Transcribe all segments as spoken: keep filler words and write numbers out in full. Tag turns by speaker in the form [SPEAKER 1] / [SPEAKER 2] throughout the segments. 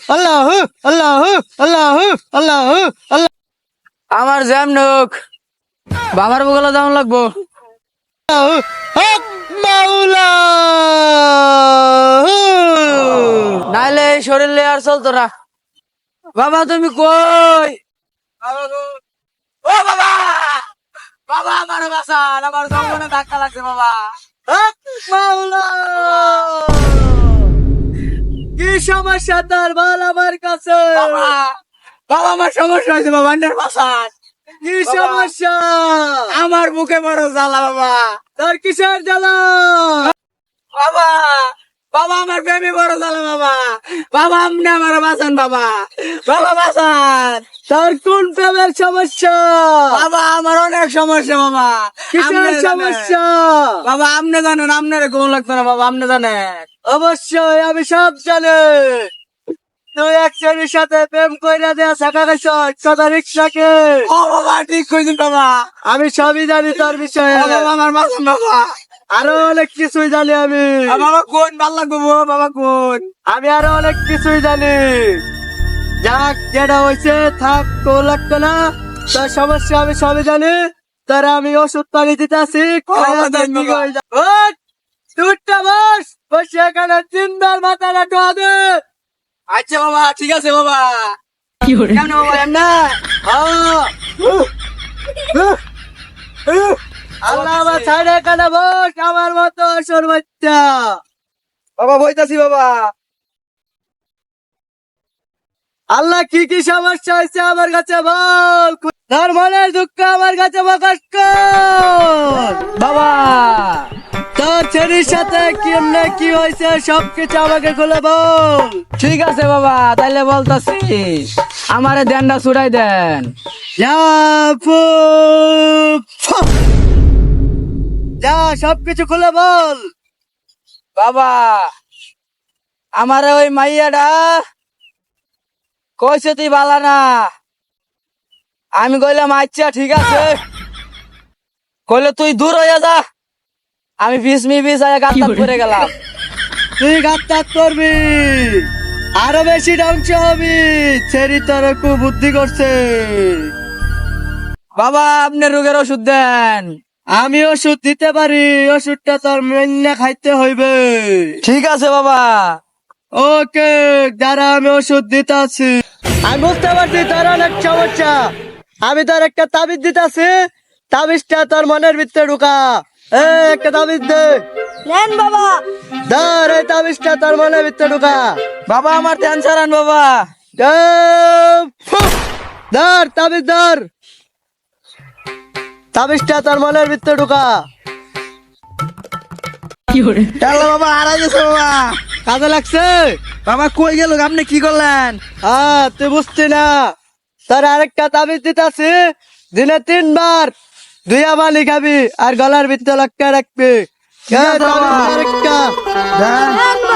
[SPEAKER 1] আল্লাহ আল্লাহ আল্লাহ আল্লাহ আল্লাহ।
[SPEAKER 2] আমার জ্যাম নোক বাবার বগলে দাম লাগবো।
[SPEAKER 1] হক মাওলা।
[SPEAKER 2] নাইলে এই শরীর নিয়ে আর চলতো না। বাবা তুমি কই? বাবা গো। ও বাবা, বাবা আমার বাসান, আমার জঙ্গলে ধাক্কা লাগছে বাবা।
[SPEAKER 1] হক মাওলা। কি সমস্যা তোর বল আমার কাছে?
[SPEAKER 2] বাবা, বাবা আমার সমস্যা হয়েছে বাবা, আন্ডার বাসান।
[SPEAKER 1] কি
[SPEAKER 2] বাবা।
[SPEAKER 1] সমস্যা?
[SPEAKER 2] আমার বুকে বড় জ্বালা বাবা।
[SPEAKER 1] তোর কিসের জ্বালা?
[SPEAKER 2] বাবা, বাবা আমার প্রেমে বড় জ্বালা বাবা। বাবা আপনি আমার বাঁচান বাবা, বাবা বাঁচান।
[SPEAKER 1] তোর কোন প্রেমের সমস্যা?
[SPEAKER 2] বাবা আমার অনেক সমস্যা বাবা।
[SPEAKER 1] কিসের
[SPEAKER 2] আপনি জানেন।
[SPEAKER 1] সমস্যা?
[SPEAKER 2] বাবা আপনি জানেন, আপনার কোন লাগতো না বাবা, আপনি জানেন।
[SPEAKER 1] অবশ্যই আমি সব জানি। তুই এক ছেলের সাথে প্রেম কইরা দেয়া শাখা গেছ কথা রিক্সাকে।
[SPEAKER 2] ও বাবা ঠিক কইছেন বাবা।
[SPEAKER 1] আমি সবই জানি তোর বিষয়ে।
[SPEAKER 2] ও বাবা আমার বাঁচান বাবা।
[SPEAKER 1] আরো অনেক কিছুই জানি আমি।
[SPEAKER 2] আ বাবা কোন ভাল লাগবো গো, বাবা কোন?
[SPEAKER 1] আমি আরো অনেক কিছুই জানি। যাক যেটা হয়েছে থাক, তো লাগতো না। তোর সমস্যা আমি সবই জানি। তোর আমি ওষুধ পানি দিতে আসি।
[SPEAKER 2] বাবা, দেন বাবা।
[SPEAKER 1] তুইটা বস, বসে এখানে তিনবার মাথাটা টোয়া দে।
[SPEAKER 2] আচ্ছা বাবা ঠিক আছে বাবা।
[SPEAKER 1] কি করে?
[SPEAKER 2] কেমন বাবা এমনা?
[SPEAKER 1] আল্লাহ আমার ছাড়ে এখানে বস, আমার মতো অসুর বাচ্চা।
[SPEAKER 2] বাবা বইতাছি বাবা।
[SPEAKER 1] আল্লাহ কি কি সমস্যা হয়েছে আমার কাছে বল। তোর মনের দুঃখ আমার কাছে প্রকাশ কর।
[SPEAKER 2] বাবা
[SPEAKER 1] তোর ছেলের সাথে কেমনে কি হয়েছে সবকিছু আমাকে খুলে বল।
[SPEAKER 2] ঠিক আছে বাবা, তাইলে বলতাছি। আমারে দেনটা ছুড়াই দেন।
[SPEAKER 1] যা ফুক, ফুক। যা সবকিছু খুলে বল।
[SPEAKER 2] বাবা আমারে ওই মাইয়াটা কইছে তুই বালা না। আমি কইলাম আচ্ছা ঠিক আছে। কইলে তুই দূর হইয়া যা। আমি বিষ মি বিষ আয়া গাত্তা করে গেলাম।
[SPEAKER 1] তুই গাত্তাত করবি, আরো বেশি ধ্বংস হবি। ছেড়ি তোর খুব বুদ্ধি করছে।
[SPEAKER 2] বাবা আপনি রোগের ওষুধ দেন।
[SPEAKER 1] আমি ওষুধ দিতে পারি, ওষুধটা তোর মেনে খাইতে হইবে।
[SPEAKER 2] ঠিক আছে বাবা।
[SPEAKER 1] ওকে যারা আমি ওষুধ দিতে আছি। আমি বুঝতে পারছি তোর অনেক সমস্যা। আমি তোর একটা তাবিজ দিতে আছি। তাবিজটা তোর মনের ভিতরে ঢুকা। এ একটা তাবিজ দে।
[SPEAKER 2] নেন বাবা।
[SPEAKER 1] ধর এই তাবিজটা তোর মনের ভিতরে ঢুকা।
[SPEAKER 2] বাবা আমার ধ্যান ছাড়ান বাবা।
[SPEAKER 1] এ, ফুক। ধর তাবিজ ধর। তাবিজটা তোর মনের ভিতরে ঢুকা।
[SPEAKER 2] তাহলে বাবা হারাই গেছে বাবা।
[SPEAKER 1] কাজে লাগছে?
[SPEAKER 2] বাবা কই গেল, আপনি কি করলেন?
[SPEAKER 1] হ্যাঁ তুই বুঝছি না। তোর আরেকটা তাবিজ দিতেছি। দিনে তিনবার দুইয়া পানি খাবি আর গলার ভিতরে লটকা রাখবি।
[SPEAKER 2] ঠিক আছে
[SPEAKER 1] এই তাবিজ
[SPEAKER 2] বাবা।
[SPEAKER 1] আরেকটা।
[SPEAKER 2] দেন।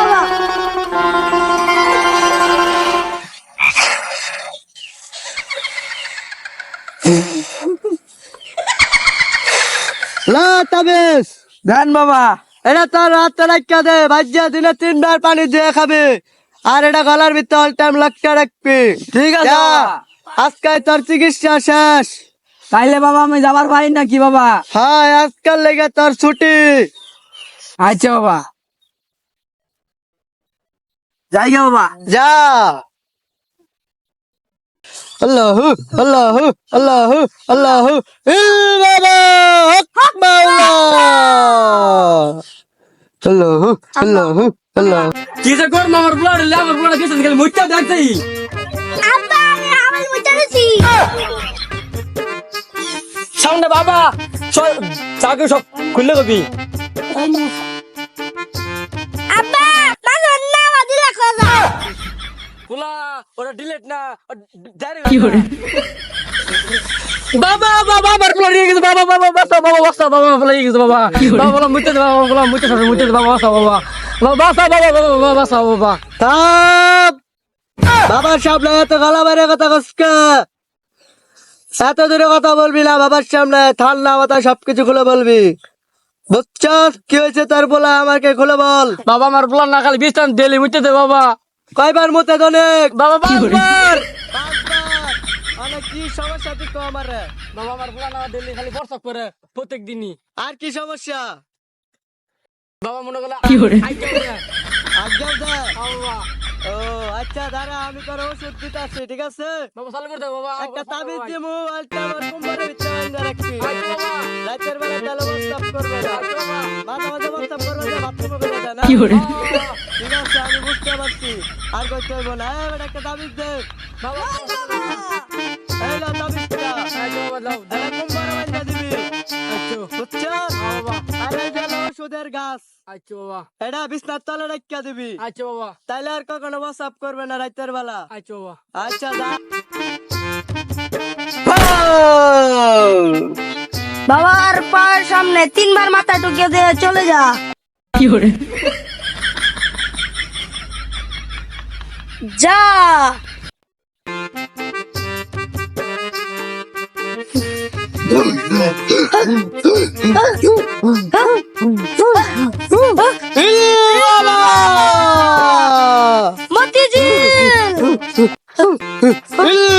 [SPEAKER 1] লা তাবিজ।
[SPEAKER 2] দেন বাবা।
[SPEAKER 1] এটা তোর হাতে রাখা দে, ভাজ্যা দিনে তিনবার পানি দিয়ে খাবি আর এটা গলার ভিতরে অল টাইম লটকা রাখবি।
[SPEAKER 2] ঠিক আছে
[SPEAKER 1] যা,
[SPEAKER 2] বাবা।
[SPEAKER 1] আজকে তোর চিকিৎসা শেষ।
[SPEAKER 2] তাইলে বাবা আমি যাবার পারি নাকি বাবা?
[SPEAKER 1] হ্যাঁ আজকাল লেগে তোর ছুটি।
[SPEAKER 2] আচ্ছা বাবা যাই গে বাবা।
[SPEAKER 1] যা। আল্লাহ আল্লাহ আল্লাহ আল্লাহ বাবা হক মাওলা। আল্লাহ আল্লাহ আল্লাহ।
[SPEAKER 2] কি যে করবো আমার ব্লাড আমার ব্লাড কিছু খালি মুইটা দেখতেই।
[SPEAKER 3] আব্বা আমি মুইটা দিছি।
[SPEAKER 2] সামনে বাবা চাকরি সব খুললে কবি।
[SPEAKER 3] আব্বা মাজন না দিলা খোঁজা।
[SPEAKER 2] খোলা ওটা ডিলেট না কি করে। বাবা বাবা আমার ব্লাড নিয়ে গেছে বাবা বাবা বাসা বাবা বাসা বাবা ব্লাড নিয়ে গেছে বাবা বাবা বলা মুইতে বাবা বলা মুইতে সব মুইতে বাবা বাসা বাবা বাবা বাসা বাবা বাবা বাসা বাবা।
[SPEAKER 1] থাম। বাবার সামনে এত গলা বাইরে কথা কসকে। এত দূরে কথা বলবি না বাবার সামনে। ঠান্ডা মাথা সবকিছু খুলে বলবি। বুঝছস কি হয়েছে তোর বলা আমাকে খুলে বল।
[SPEAKER 2] বাবা আমার ব্লাড না খালি বিস্তান ডেলি মুইতে দে বাবা।
[SPEAKER 1] কয়বার মতে অনেক
[SPEAKER 2] বাবা পাঁচবার
[SPEAKER 1] পাঁচবার অনেক কি সমস্যা তুই কো আমারে
[SPEAKER 2] বাবা আমার ফুলা না দিল্লি খালি বর্ষক করে প্রত্যেক দিনই
[SPEAKER 1] আর কি সমস্যা
[SPEAKER 2] বাবা মনে করলে
[SPEAKER 1] কি করে?
[SPEAKER 2] আইডিয়া করে
[SPEAKER 1] আজ্ঞাও দে
[SPEAKER 2] বাবা
[SPEAKER 1] ও আচ্ছা দাঁড়া আমি তোর ওষুধ দিতেছি ঠিক আছে
[SPEAKER 2] বাবা চালু করে দাও বাবা
[SPEAKER 1] একটা তাবিজ দিমু আলটা আমার কোমরে ভিতরে আইনা রাখছি
[SPEAKER 2] আইডিয়া বাবা
[SPEAKER 1] রাতের বেলা তাহলে WhatsApp করবে না মাঝে মাঝে WhatsApp করবে না বাথরুমে বেরো না
[SPEAKER 2] কি করে
[SPEAKER 1] ঠিক আছে আমি বুঝতে পারছি আর কইতে হইব না এবার একটা তাবিজ দে
[SPEAKER 2] বাবা
[SPEAKER 1] এই না তাবিজটা
[SPEAKER 2] আইডিয়া বাবা দাও
[SPEAKER 1] এটা কোমরে আইনা দিবি
[SPEAKER 2] আচ্ছা
[SPEAKER 1] বুঝছো
[SPEAKER 2] বাবা
[SPEAKER 1] আর এই যে ওষুধের গাছ
[SPEAKER 2] আচ্ছা বাবা
[SPEAKER 1] এটা বিছনার তলে রাখিয়া দিবি
[SPEAKER 2] আচ্ছা বাবা
[SPEAKER 1] তাইলে আর কখনো WhatsApp করবে না রাতের বেলা
[SPEAKER 2] আচ্ছা বাবা
[SPEAKER 1] আচ্ছা যা
[SPEAKER 3] বাবার পায়ের সামনে তিনবার মাথা ঢুকিয়ে দিয়ে চলে যা
[SPEAKER 2] কি করে
[SPEAKER 3] যা মতিঝিল